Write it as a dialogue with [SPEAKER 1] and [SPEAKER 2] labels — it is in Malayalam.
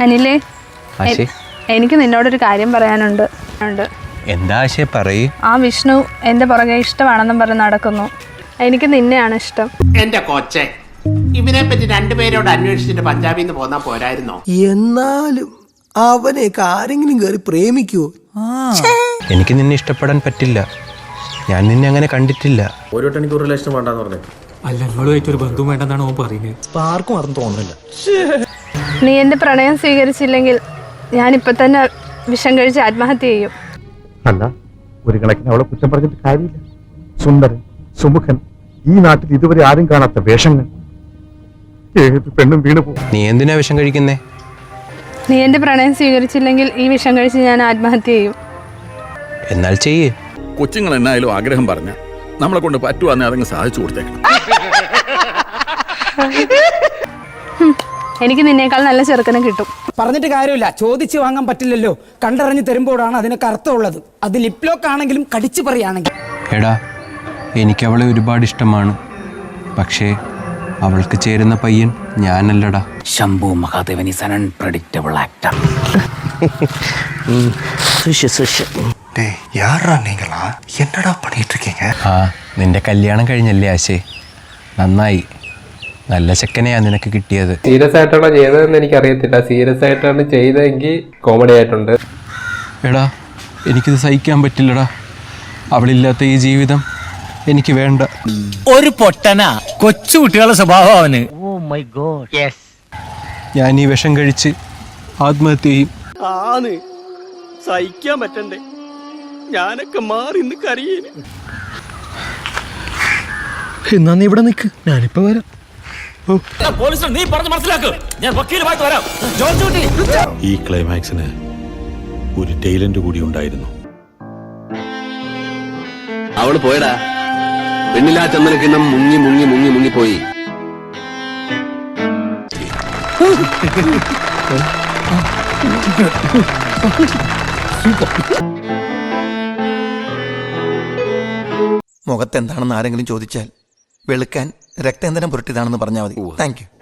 [SPEAKER 1] അനിലേ, എനിക്ക് നിന്നോടൊരു കാര്യം പറയാനുണ്ട്.
[SPEAKER 2] എന്താ ആശയ പറയ്.
[SPEAKER 1] ആ വിഷ്ണു എന്റെ പുറകെ ഇഷ്ടമാണെന്നും പറഞ്ഞ് നടക്കുന്നു. എനിക്ക് നിന്നെയാണ് ഇഷ്ടം.
[SPEAKER 3] എന്റെ കൊച്ചെ, ഇവനെ പറ്റി രണ്ടുപേരോട് അന്വേഷിച്ചിട്ട് പഞ്ചാബിൽ നിന്ന് പോന്നാ പോരായിരുന്നോ?
[SPEAKER 4] എന്നാലും അവനെയൊക്കെ ആരെങ്കിലും കയറി പ്രേമിക്കുവോ?
[SPEAKER 2] എനിക്ക് നിന്നെ ഇഷ്ടപ്പെടാൻ പറ്റില്ല. ഞാൻ നിന്നെ അങ്ങനെ കണ്ടിട്ടില്ല.
[SPEAKER 5] ഒരു വട്ടം എനിക്ക് റിലേഷൻ വേണ്ടെന്ന് പറഞ്ഞു.
[SPEAKER 6] അല്ല, നിങ്ങളുമായിട്ട് ഒരു ബന്ധം വേണ്ടെന്നാണ് ഓൻ പറയുന്നത്.
[SPEAKER 4] ആർക്കും അറിഞ്ഞു തോന്നുന്നില്ല.
[SPEAKER 1] നീ എന്റെ പ്രണയം സ്വീകരിച്ചില്ലെങ്കിൽ ഞാനിപ്പൊ തന്നെ വിഷം കഴിച്ച് ആത്മഹത്യ ചെയ്യും.
[SPEAKER 7] അല്ല, ഒരു കണക്കിന് അവളെ കുറ്റം പറഞ്ഞിട്ട് കാര്യമില്ല. സുന്ദരൻ, സുമുഖൻ, ഈ നാട്ടിൽ ഇതുവരെ ആരും കാണാത്ത വേഷങ്ങൾ. ഏത് പെണ്ണും വീണു പോകും.
[SPEAKER 2] നീ എന്തിനാ വിഷം കഴിക്കുന്നേ?
[SPEAKER 1] നീ എന്റെ പ്രണയം സ്വീകരിച്ചില്ലെങ്കിൽ ഈ വിഷം കഴിച്ച് ഞാൻ ആത്മഹത്യ ചെയ്യും.
[SPEAKER 2] എന്നാൽ ചെയ്യേ.
[SPEAKER 8] കൊച്ചുങ്ങൾ എന്നായാലും ആഗ്രഹം പറഞ്ഞ നമ്മളെ കൊണ്ട് പറ്റുവാന്നെ അതങ്ങ് സാധിച്ചു കൊടുത്തേക്കണം.
[SPEAKER 1] എനിക്ക് നിന്നേക്കാൾ നല്ല ചെറുക്കനെ കിട്ടും.
[SPEAKER 9] പറഞ്ഞിട്ട് കാര്യമില്ല, ചോദിച്ചു വാങ്ങാൻ പറ്റില്ലല്ലോ. കണ്ടറിഞ്ഞ് തരുമ്പോഴാണ് അതിനൊക്കെ അർത്ഥമുള്ളത്. അത് ലിപ് ലോക്ക് ആണെങ്കിലും കടിച്ചു പറയുകയാണെങ്കിൽ.
[SPEAKER 2] എടാ, എനിക്ക് അവളെ ഒരുപാട് ഇഷ്ടമാണ്. പക്ഷേ അവൾക്ക് ചേരുന്ന പയ്യൻ ഞാനല്ലടാ.
[SPEAKER 10] Shambhu Mahadevan is an unpredictable actor.
[SPEAKER 2] ആ, നിന്റെ കല്യാണം കഴിഞ്ഞല്ലേ ആശേ? നന്നായി. നല്ല ചെക്കനെയാ നിനക്ക് കിട്ടിയത്.
[SPEAKER 11] സീരിയസ് ആയിട്ടാണോ ചെയ്തതെന്ന് എനിക്കറിയത്തില്ല. സീരിയസ് ആയിട്ടാണ് ചെയ്തതെങ്കിൽ കോമഡി ആയിട്ടുണ്ട്.
[SPEAKER 2] എടാ, എനിക്കിത് സഹിക്കാൻ പറ്റില്ലടാ. അവളില്ലാത്ത ഈ ജീവിതം എനിക്ക് വേണ്ട.
[SPEAKER 10] ഒരു പൊട്ടനാ, കൊച്ചു കുട്ടികളുടെ സ്വഭാവം അവന്.
[SPEAKER 2] ഞാൻ ഈ വിഷം കഴിച്ച് ആത്മഹത്യ ചെയ്യും.
[SPEAKER 5] സഹിക്കാൻ പറ്റണ്ടേ? ഞാനൊക്കെ മാറി നിന്ന് കരയേന്.
[SPEAKER 4] എന്നാ നീ ഇവിടെ നിൽക്ക്, ഞാനിപ്പോ വരാം.
[SPEAKER 10] നീ പറഞ്ഞ് മനസ്സിലാക്ക്, ഞാൻ വക്കീലുമായിട്ട് വരാം.
[SPEAKER 8] ഈ ക്ലൈമാക്സിന് ഒരു ടൈലന്റ് കൂടി ഉണ്ടായിരുന്നു.
[SPEAKER 3] അവള് പോയടാ. പെണ്ണില്ലാ ചന്ദനക്കിണ്ണം മുങ്ങി മുങ്ങി മുങ്ങി മുങ്ങി പോയി.
[SPEAKER 4] മുഖത്തെന്താണെന്ന് ആരെങ്കിലും ചോദിച്ചാൽ വെളുക്കാൻ രക്തേന്ദ്രം പുരട്ടിയതാണെന്ന് പറഞ്ഞാൽ മതി. Thank U.